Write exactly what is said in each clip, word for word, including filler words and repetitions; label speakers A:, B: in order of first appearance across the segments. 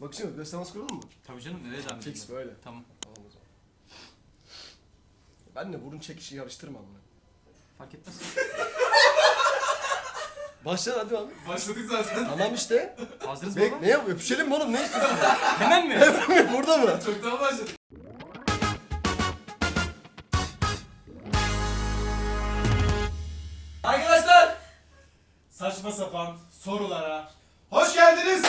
A: Bakışım göz teması kuralım mı?
B: Tabii canım, nereye zahmet
A: Fix
B: ettin?
A: böyle.
B: Tamam.
A: Tamam o zaman. Ben de burun çekişi yarıştırmam bunu.
B: Fark etmez.
A: Başla hadi abi.
C: Başladık zaten.
A: Tamam işte.
B: Hazırız mı
A: Bek
B: baba?
A: ne yap? Öpüşelim mi oğlum? Ne istiyorsun?
B: Hemen mi?
A: Burada mı?
C: Çoktan başladık. Arkadaşlar, saçma sapan sorulara hoş geldiniz.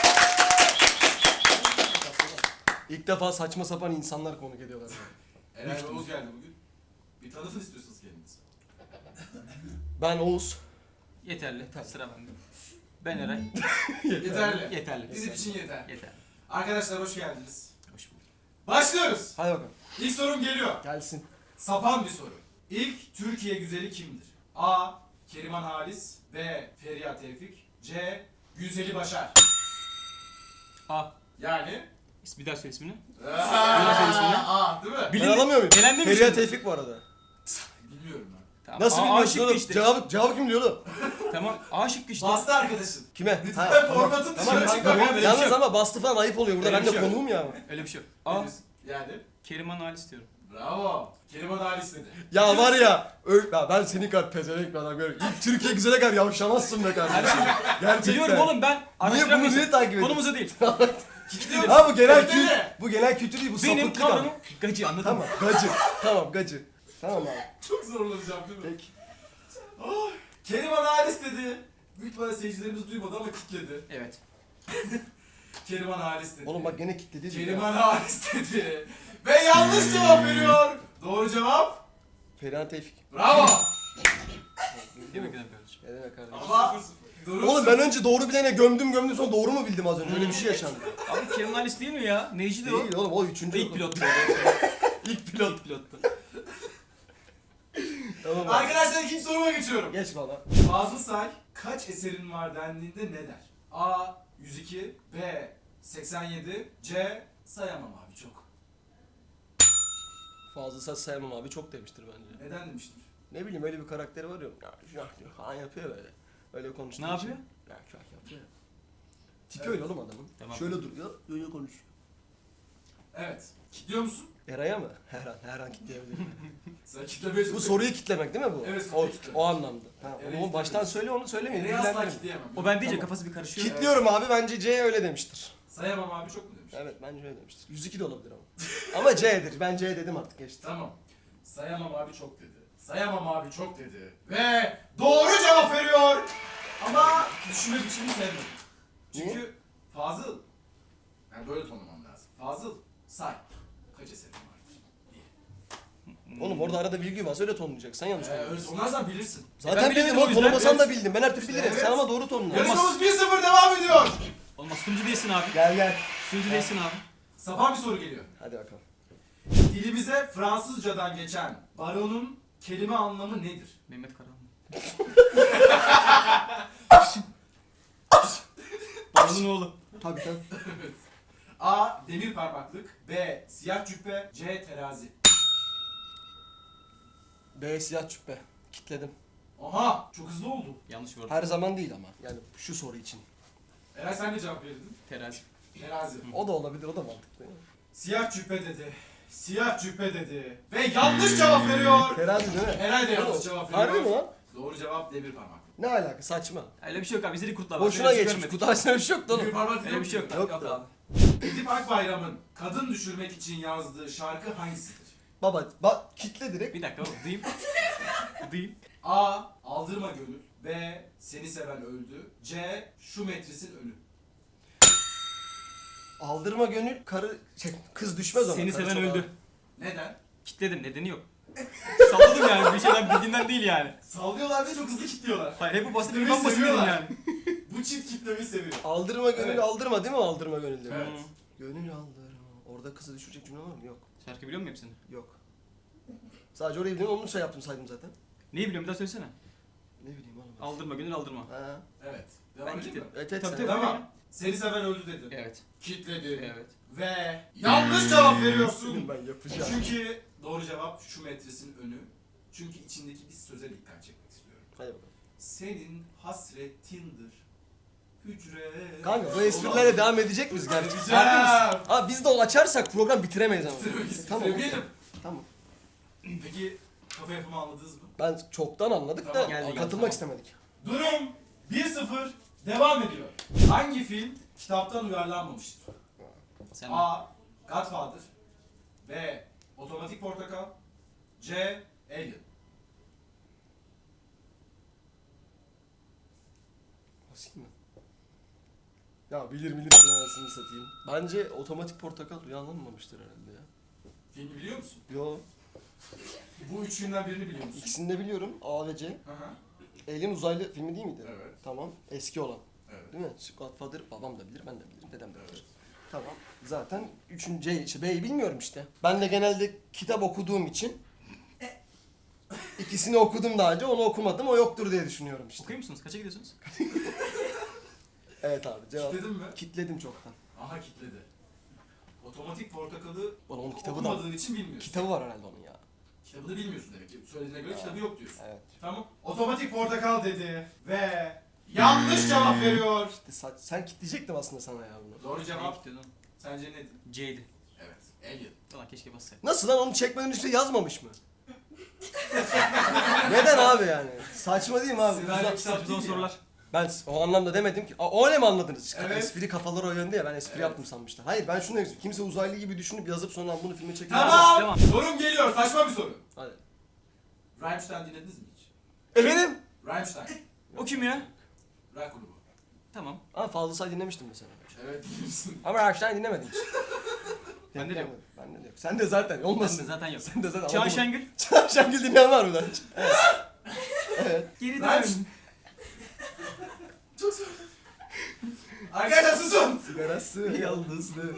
A: İlk defa saçma sapan insanlar konuk ediyorlar.
C: Eray Oğuz geldi bugün. Bir tanıtın istiyorsanız kendinizi.
A: Ben Oğuz.
B: Yeterli. Sıra bende. Ben Eray.
C: Yeterli.
B: Yeterli.
C: Bizim için yeter.
B: Yeterli.
C: Arkadaşlar hoş geldiniz.
B: Hoş bulduk.
C: Başlıyoruz.
A: Hadi bakalım.
C: İlk sorum geliyor.
A: Gelsin.
C: Sapan bir soru. İlk Türkiye güzeli kimdir? A. Keriman Halis. B. Feriha Tevfik. C. Güzeli Başar.
B: A.
C: Yani?
B: Bir daha söyle ismini.
C: Aaa,
B: ismini.
C: A değil mi?
A: Ben
B: Bilin-
A: alamıyor muyum?
B: Elendi mi
A: Feriha
B: şimdi?
A: Tevfik bu arada.
C: Bilmiyorum ben.
B: Tamam.
A: Nasıl
B: A- A
A: bilmiyorsun
B: şıkkı
A: oğlum?
B: işte.
A: Cevabı, cevabı kim diyor oğlum?
B: Tamam. A şıkkı işte.
C: Bastı arkadaşın.
A: Kime?
C: Lütfen
A: Ha, tamam.
C: formatın
A: Tamam,
C: dışına
A: kanka,
C: çıkma.
A: yalnız-
C: Böyle bir
A: Yalnız
C: şey yok.
A: ama bastı falan ayıp oluyor. Burada
C: Öyle
A: ben
C: bir
A: de
C: şey yok.
A: konuğum ya.
B: Öyle bir şey yok. A.
C: Yani?
B: Keriman Halis diyorum.
C: Bravo. Keriman Halis dedi.
A: Ya var ya, ö- ya ben senin kadar pezevenk bir adam görüyorum. İlk Türkiye güzele kadar yavşamazsın be kardeşim. Gerçekten.
B: Biliyorum oğlum ben.
A: Niye bunu
B: Araştıramıyorsun.
A: niye takip ediyorsun?
B: Konumuza değil.
C: Kitliyor
A: Ha bu genel
C: Kitli
A: kültür,
C: de.
A: bu genel kültür değil, bu
B: Benim
A: sapıklık ama.
B: kavramım gacı, anladın mı?
A: Tamam, gacı. Tamam, gacı. Tamam abi.
C: Çok zorlanacağım değil mi?
A: Peki.
C: Oh, Keriman Halis dedi. Büyük ihtimalle seyircilerimiz duymadı ama kitledi.
B: Evet.
C: Keriman Halis dedi.
A: Oğlum bak gene kilitledi.
C: Keriman Halis dedi. Ve yanlış cevap veriyor. Doğru cevap.
A: Feriha Tevfik.
C: Bravo.
B: Değil mi güzel kardeşim?
A: Ne demek kardeşim?
C: Ama durum
A: Oğlum ben önce doğru bilene gömdüm gömdüm sonra doğru mu bildim az önce? Öyle bir şey yaşandı.
B: Abi Keriman Halis değil mi ya? Neycidir o?
A: Değil oğlum o üçüncü.
B: İlk pilottu.
A: İlk pilot.
B: İlk pilottu.
A: Tamam abi.
C: Arkadaşlar ikinci soruma geçiyorum.
A: Geç bana.
C: Fazıl Say kaç eserin var dendiğinde ne der? A. yüz iki. B. seksen yedi. C. Sayamam abi çok.
A: Fazla saç sayamam abi çok demiştir bence.
C: Neden demiştir?
A: Ne bileyim öyle bir karakteri var ya. Ya şah diyor falan yapıyor böyle. Öyle konuştuğu
B: Ne
A: için.
B: yapıyor?
A: Ya şah yapıyor. Tipi
C: Evet.
A: öyle oğlum adamın.
B: Tamam.
A: Şöyle duruyor, öyle konuşuyor.
C: Evet. Kitliyor musun?
A: Eray'a mı? Her an, her an kitleyebilirim.
C: Sen kitlemeye
A: Bu soruyu kitlemek değil mi bu?
C: Evet,
A: o,
C: soruyu kitlemek.
A: o anlamda. Ha,
C: Eray'ı
A: onu baştan
C: kitlemek.
A: söyle onu söylemeyin.
C: Nereye asla
A: bilgilendirin.
C: kitleyemem.
B: O ben deyince
A: Tamam.
B: kafası bir karışıyor.
A: Kitliyorum abi bence C öyle demiştir.
C: Sayamam abi çok mu demiş?
A: Evet bence öyle demiştir. yüz iki de olabilir ama. Ama C'dir. Ben C dedim artık geçti.
C: Tamam. Sayamam abi çok dedi. Sayamam abi çok dedi. Ve doğru cevap veriyor. Ama düşünme biçimini sevmedim. Çünkü
A: Niye?
C: Fazıl. Yani böyle tonlamam lazım. Fazıl say. Kaç eserin vardır? İyi.
A: Oğlum orada arada bilgi varsa öyle tonlayacak. Sen yanlış
C: Ee, öyle
A: tonluyorsun.
C: tonlarsan bilirsin.
A: Zaten
B: Ben
A: bildim
B: bildim
A: o
B: o yüzden.
A: tonlamasan da
C: Evet.
A: bildim. Ben her türlü bilirim.
C: Evet.
A: Sen ama doğru tonla.
C: Yarışmamız bir sıfır devam ediyor.
B: Olmaz. Sunucu değilsin abi.
A: Gel gel.
B: Sunucu değilsin abi.
C: Sapan bir soru geliyor.
A: Hadi bakalım.
C: Dilimize Fransızcadan geçen baronun kelime anlamı nedir?
B: Mehmet Karahan. Babanın oğlu.
A: Tabii tabii.
C: A. Demir parmaklık. B. Siyah cübbe. C. Terazi.
A: B siyah cübbe. Kitledim.
C: Aha! Çok hızlı oldu.
B: Yanlış gördüm.
A: Her zaman değil ama. Yani şu soru için.
C: Eray sen de cevap verdin.
B: Terazi.
C: Terazi.
A: O da olabilir, o da mantıklı.
C: Siyah cübbe dedi. Siyah cübbe dedi. Ve yanlış cevap veriyor.
A: Terazi değil mi?
C: Eray da yanlış
A: Oğlum,
C: cevap veriyor.
A: Harbi mi lan?
C: Doğru cevap demir parmaklık.
A: Ne alaka? Saçma.
B: Öyle bir şey yok abi. Bizde kurtlar var.
A: Boşuna
B: Öyle bir şey
A: geçmiş.
B: görmedik.
A: Kutu açısına bir şey yoktu
C: Demir
A: oğlum.
C: parmaklık
B: Öyle bir şey yok.
A: Yok
B: Yok
A: da.
B: abi.
C: Edip Akbayram'ın kadın düşürmek için yazdığı şarkı hangisidir?
A: Baba, bak kitle direkt.
B: Bir dakika oğlum. Duyayım. Duyayım.
C: A. Aldırma gönül. B. Seni seven öldü. C. Şu metrisin ölü.
A: Aldırma gönül, karı, şey, kız düşmez ona.
B: Seni
A: Karı
B: seven
A: çok
B: öldü.
A: ağır.
C: Neden?
B: Kitledim. Nedeni yok. Salladım yani. Bir şeyden bildiğinden değil yani.
C: Sallıyorlar ve çok hızlı kilitliyorlar.
B: Hayır hep bu basit bir
C: Kitlemeyi
B: ben basit dedim
C: seviyorlar.
B: yani.
C: Bu çift kitlemeyi seviyor.
A: Aldırma gönül,
C: Evet.
A: aldırma değil mi aldırma gönül demek?
C: Evet.
A: Gönül aldırma. Orada kızı düşürecek cümle var mı? Yok.
B: Şarkı biliyor musun hepsini?
A: Yok. Sadece orayı biliyorum, onu şey yaptım saydım zaten.
B: Neyi biliyorum bir daha söylesene.
A: Ne bileyim oğlum. ben.
B: Aldırma gönül aldırma.
A: Ha.
C: Evet.
B: Ben
C: Devam edeyim mi?
B: kitledim.
A: Evet, evet,
B: Tabii,
A: sen-
B: tabii.
C: Tamam. Seni seven öldü dedi.
B: Evet.
C: Kitledi.
B: Evet.
C: Ve yanlış cevap veriyorsun.
A: Ben yapacağım.
C: Çünkü doğru cevap şu metresin önü. Çünkü içindeki bir söze dikkat çekmek istiyorum.
A: Hadi bakalım.
C: Senin hasretindir hücre.
A: Kanka bu esprilerle devam edecek miyiz gerçekten?
C: Edeceğim.
A: Abi biz de o açarsak program bitiremeyiz ama.
C: Bitiremeyiz,
A: Tamam.
C: bitiremeyelim.
A: Tamam.
C: Peki kafa yapımı anladınız mı?
A: Ben çoktan anladık
C: Tamam,
A: da
B: geldi, geldi,
A: katılmak
B: tamam.
A: istemedik.
C: Durum bir sıfır devam ediyor. Hangi film kitaptan uyarlanmamıştır?
B: Sen
C: A. Godfather. B. Otomatik Portakal. C. Alien.
A: Basayım mı? Ya bilir bilirsin anasını satayım. Bence otomatik portakal uyarlanmamıştır herhalde ya.
C: Filmi biliyor musun?
A: Yo,
C: Bu üç filmden birini biliyor musun?
A: ikisini de biliyorum. A ve C.
C: Hı hı.
A: Alien uzaylı filmi değil miydi?
C: Evet.
A: Tamam. Eski olan.
C: Evet.
A: Değil mi? Godfather babam da bilir, ben de bilirim, dedem de bilir.
C: Evet.
A: Tamam. Zaten üçüncü C, işte B'yi bilmiyorum işte. Ben de genelde kitap okuduğum için ikisini okudum daha önce, onu okumadım, o yoktur diye düşünüyorum işte.
B: okuyor musunuz? Kaça gidiyorsunuz?
A: Evet abi, cevap.
C: Kitledin mi?
A: Kitledim çoktan.
C: Aha kitledi. Otomatik Portakal'ı
A: Ulan onun kitabı da
C: okumadığın için bilmiyorsun.
A: kitabı var herhalde onun ya.
C: Kitabını bilmiyorsun demek ki. Söylediğine göre
A: Ya.
C: kitabı yok diyorsun.
A: Evet.
C: Tamam. Otomatik Portakal dedi ve yanlış cevap veriyor.
A: İşte sen, sen kitleyecektim aslında sana ya bunu.
C: Doğru cevap
B: Gidiyordum.
C: sence nedir?
B: C'ydi.
C: Evet. Alien.
B: Ulan keşke bassaydım.
A: Nasıl lan, onu çekmeden üstüne yazmamış mı? Neden abi yani? Saçma değil mi abi?
C: Senaryo
A: Güzel-
C: kitap
B: Son
C: değil ya.
B: sorular.
A: Ben o anlamda demedim ki. Aa, öyle mi anladınız?
C: Evet.
A: Espri kafaları o yönde ya, ben espri
C: Evet.
A: yaptım sanmıştım. Hayır, ben şunu demek istiyorum. Kimse uzaylı gibi düşünüp yazıp sonra bunu filme çekip...
C: Tamam.
B: Devam.
C: Sorum geliyor. Saçma bir soru.
A: Hadi.
C: Rammstein dinlediniz mi hiç?
A: Efendim?
C: Rammstein.
B: O kim ya?
C: Rock grubu.
B: Tamam.
A: Ama Fazıl Say dinlemiştim mesela.
C: Evet bilirsin.
A: Ama Rammstein dinlemedim hiç.
B: Bende de yok.
A: Bende de yok. Sen de zaten olmasın.
B: Bende zaten yok.
A: Sen de zaten
B: Çağan
A: anladın mı?
B: Şengül.
A: Çağan Şengül dinleyen var mı lan? Evet. Evet.
B: Geri
C: Ben-
B: dön.
C: Çok zor. Arkadaşlar susun.
A: Sigarası yalnızlığı.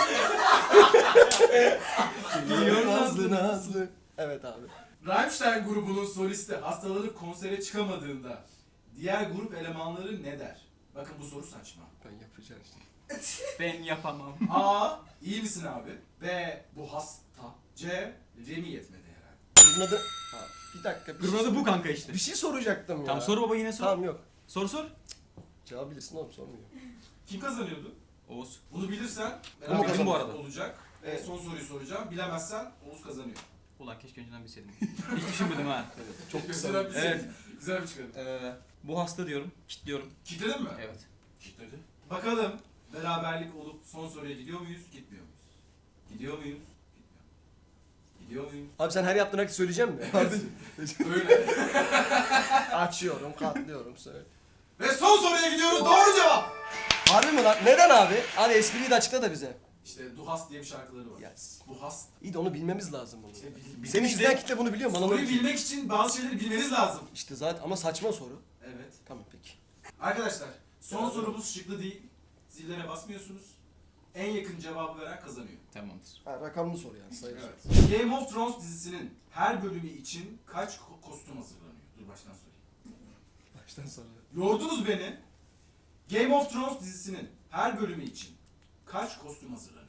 B: Geliyor
A: Nazlı Nazlı. Evet abi.
C: Rammstein grubunun solisti hastalanıp konsere çıkamadığında diğer grup elemanları ne der? Bakın bu soru saçma.
A: Ben yapacağım işte.
B: Ben yapamam.
C: A. İyi misin abi? B. Bu hasta. C. Remi yetmedi herhalde.
A: Grubun adı... Ha, bir dakika. Bir
B: Grubun
A: şey,
B: adı bu kanka işte.
A: bir şey soracaktım ya.
B: Tamam soru baba yine sor.
A: Tamam yok.
B: Sor sor.
A: Cevap bilirsin oğlum, sormuyor.
C: Kim kazanıyordu?
B: Oğuz.
C: Bunu bilirsen
A: Bu mu kazandı
B: bu arada?
C: olacak.
A: Evet.
C: Ve son soruyu soracağım. Bilemezsen Oğuz kazanıyor.
B: Ulan keşke önceden bilseydim. Hiç düşünmedim ha.
A: Çok kısa.
C: Güzel bir şey.
B: Evet.
C: Güzel bir çıkarım.
B: Ee, bu hasta diyorum. Kitliyorum.
C: Kitledin mi?
B: Evet.
C: Kitledi. Bakalım beraberlik olup son soruya gidiyor muyuz, gitmiyor muyuz? Gidiyor muyuz? Gitmiyor. Gidiyor muyuz?
A: Abi sen her yaptığın hareketi söyleyecek misin?
C: Öyle.
A: Açıyorum, katlıyorum, söyle.
C: Ve son soruya gidiyoruz. Doğru cevap.
A: Harbi mi lan? Neden abi? Hadi espriyi de açıkla da bize.
C: İşte Duhas diye bir şarkıları var.
A: Yes.
C: Duhas.
A: İyi de onu bilmemiz lazım bunu.
C: İşte bil-
A: Senin
C: işte
A: izleyen kitle bunu biliyor mu? Bana
C: soruyu
A: öyle-
C: bilmek için bazı şeyleri bilmeniz lazım.
A: İşte zaten ama saçma soru.
C: Evet.
A: Tamam peki.
C: Arkadaşlar son sorumuz şıklı değil. Zillere basmıyorsunuz. En yakın cevabı veren kazanıyor.
B: Tamamdır.
A: Ha, rakamlı soru yani, sayı soru.
C: Evet. Game of Thrones dizisinin her bölümü için kaç ko- kostüm hazırlanıyor? Dur baştan sorayım.
A: Baştan sonra.
C: Yordunuz beni. Game of Thrones dizisinin her bölümü için kaç kostüm hazırlanıyor?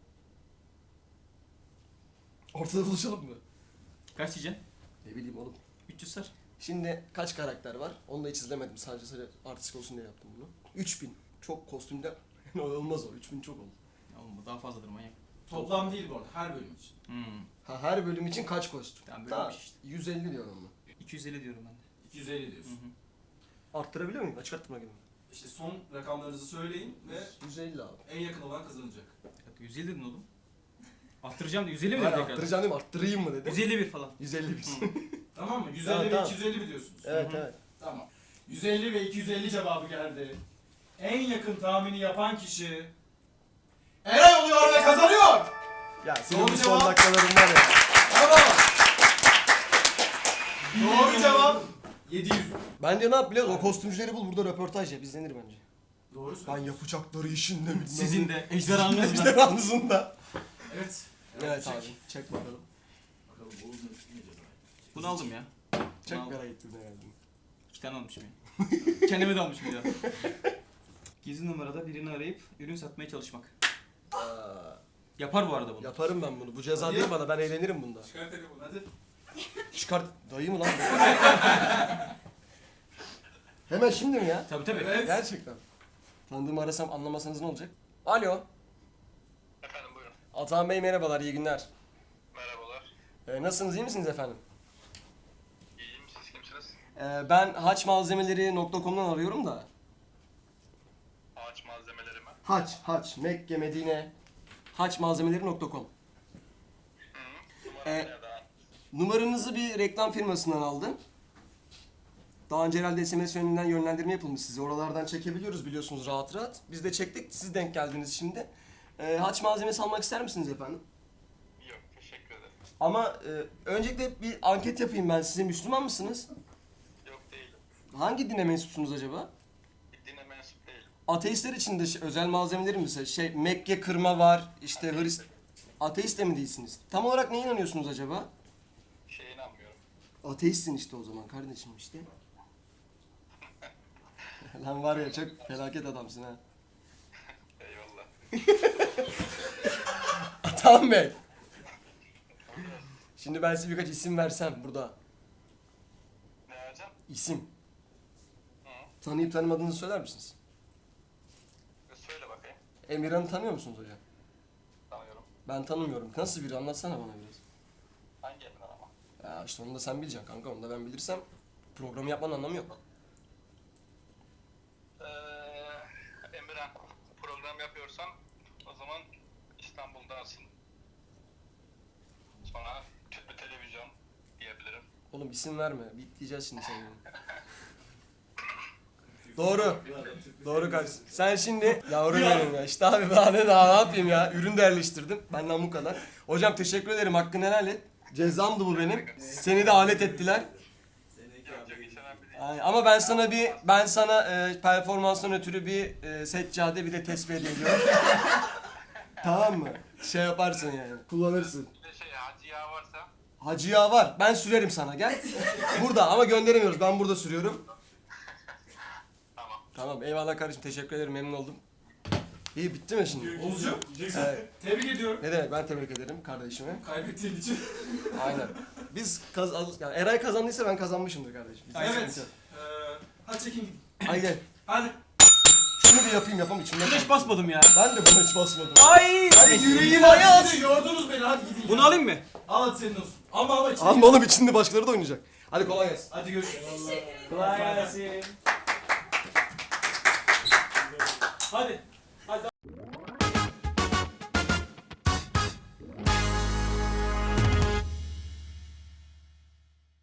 A: Ortada buluşalım mı?
B: Kaç diyeceksin?
A: Ne bileyim oğlum.
B: üç yüz sar.
A: Şimdi kaç karakter var? Onu da hiç izlemedim. Sadece sadece artistik olsun diye yaptım bunu. üç bin. Çok kostümde olmaz o. üç bin çok oldu.
B: Ya oğlum bu daha fazladır manyak.
C: Toplam değil bu arada, her bölüm için.
B: Hmm.
A: Ha, her bölüm için kaç kostüm?
B: Tamam,
A: Tamam.
B: bölünmüş işte.
A: yüz elli diyorum ben.
B: iki yüz elli diyorum ben de.
C: iki yüz elli
B: Hı
C: diyorsun.
B: hı.
A: Arttırabiliyor muyum? Açık arttırma gibi.
C: İşte son rakamlarınızı söyleyin ve
A: yüz elli abi.
C: en yakın olan kazanacak.
B: Bir dakika, yüz elli dedin oğlum. Arttıracağım da yüz elli mi
A: Ben
B: dedin tekrar?
A: arttıracağım değil mi? Arttırayım mı dedim.
B: yüz elli bir falan.
A: yüz elli bir.
B: Hı.
C: Tamam mı? yüz elli
A: Tamam,
C: ve
A: tamam.
C: iki yüz elli mi diyorsunuz?
A: Evet
B: Hı hı.
A: evet.
C: Tamam. yüz elli ve iki yüz elli cevabı geldi. En yakın tahmini yapan kişi Eray oluyor ve kazanıyor.
A: Ya senin
C: Doğru
A: bu son
C: cevap.
A: dakikaların var ya.
C: Bravo. Doğru cevap yedi yüz.
A: Bence ne yap biliyor musun? O kostümcüleri bul, burada röportaj yap. İzlenir bence.
C: Doğru
A: Ben
C: söylüyorsun.
A: yapacakları işin de bilmem.
B: Sizin de ejderhanınız
A: İşte
B: da.
A: anısında.
C: Evet.
A: Evet
C: çek.
A: abi. Çek bakalım.
C: Bakalım bu ne ceza?
B: Bunu aldım ya.
A: Çek
B: Bunu aldım.
A: merak ettim herhalde.
B: İki tane almışım ya. Kendime de almışım ya. Gizli numarada birini arayıp ürün satmaya çalışmak.
A: Aa,
B: Yapar bu arada bunu.
A: yaparım ben bunu. Bu ceza
C: Hadi.
A: değil bana. Ben eğlenirim bunda.
C: Çıkar telefonu hadi.
A: Çıkart. Dayı mı lan bu? Hemen şimdi mi ya?
B: Tabii tabii.
C: Evet.
A: Gerçekten. Tanıdığımı arasam anlamasanız ne olacak? Alo.
D: Efendim buyurun.
A: Atahan Bey merhabalar, iyi günler.
D: Merhabalar.
A: Ee, nasılsınız, iyi misiniz efendim?
D: İyiyim. Siz kimsiniz?
A: Ee, ben haçmalzemeleri nokta com'dan arıyorum da.
D: Ağaç malzemeleri mi?
A: Haç, haç, Mekke, Medine, haçmalzemeleri nokta com.
D: Hı. Numaram
A: Ee,
D: nereden?
A: Numaranızı bir reklam firmasından aldım. Daha önce herhalde S M S yönünden yönlendirme yapılmış size. Oralardan çekebiliyoruz biliyorsunuz rahat rahat. Biz de çektik, siz denk geldiniz şimdi. Ee, haç malzemesi almak ister misiniz efendim?
D: Yok. Teşekkür ederim.
A: Ama e, öncelikle bir anket yapayım ben size. Müslüman mısınız?
D: Yok değilim.
A: Hangi dine mensupsunuz acaba?
D: Bir dine mensup değilim.
A: Ateistler için de şey- özel malzemeleri mesela şey Mekke kırma var, işte Hrist... Ateist de mi değilsiniz? Tam olarak neye inanıyorsunuz acaba?
D: Şeye inanmıyorum.
A: Ateistsin işte o zaman kardeşim işte. Lan var ya çok felaket adamsın ha.
D: Eyvallah.
A: Tamam Bey. Şimdi ben size birkaç isim versem burada.
D: Ne vereceğim?
A: İsim.
D: Hı.
A: Tanıyıp tanımadığınızı söyler misiniz?
D: E, Söyle bakayım.
A: Emirhan'ı tanıyor musunuz hocam?
D: Tanıyorum.
A: Ben tanımıyorum. Nasıl biri anlatsana bana biraz.
D: Hangi evinden ama?
A: Ya işte onu da sen bileceksin kanka. Onu da ben bilirsem programı yapmanın anlamı yok.
D: Ee, Emirhan, program yapıyorsan o zaman İstanbul'dasın. Sonra tüplü televizyon diyebilirim.
A: Oğlum isim verme. Bitleyeceğiz şimdi seni. Doğru. Doğru kardeşim. Sen şimdi yavrum benim ya. İşte abi daha ne daha ne yapayım ya. Ürün de yerleştirdim. Benden bu kadar. Hocam teşekkür ederim. Hakkını helal et. Cezamdı bu benim. Seni de alet ettiler.
D: Yok yok hiç önemli değil.
A: Ay, ama ben sana bir ben sana e, performanstan ötürü bir e, seccade bir de tesbih hediye ediyorum. Tamam mı? Şey yaparsın yani. Kullanırsın.
D: Bir de şey hacı yağı varsa
A: Hacı yağı var. Ben sürerim sana. Gel. Burada ama gönderemiyoruz. Ben burada sürüyorum.
D: tamam.
A: Tamam. Eyvallah kardeşim. Teşekkür ederim. Memnun oldum. İyi bitti mi şimdi?
C: Oğuzcuğum,
A: Evet.
C: tebrik ediyorum.
A: Ne demek? Ben tebrik ederim kardeşime.
C: Kaybettiğin için.
A: Aynen. Biz kaz yani Eray kazandıysa ben kazanmışımdır kardeşim. Bizde
C: Evet.
A: sıkıntı yok.
C: Ee, hadi çekin gidin.
A: Hadi gel.
C: Hadi.
A: Şunu bir yapayım yapam içimde.
B: Hiç
A: kaldı.
B: basmadım ya.
A: Ben de buna hiç basmadım.
B: Ay!
A: Hadi yüreğim
C: Hadi
A: ayaz.
C: gidin, yordunuz beni hadi gidin.
B: Bunu
C: ya.
B: alayım mı?
C: Al hadi senin olsun. Ama ama çekin.
A: Ama oğlum içinde başkaları da oynayacak. Hadi kolay gelsin.
C: Hadi görüşürüz.
B: Kolay gelsin.
C: Hadi.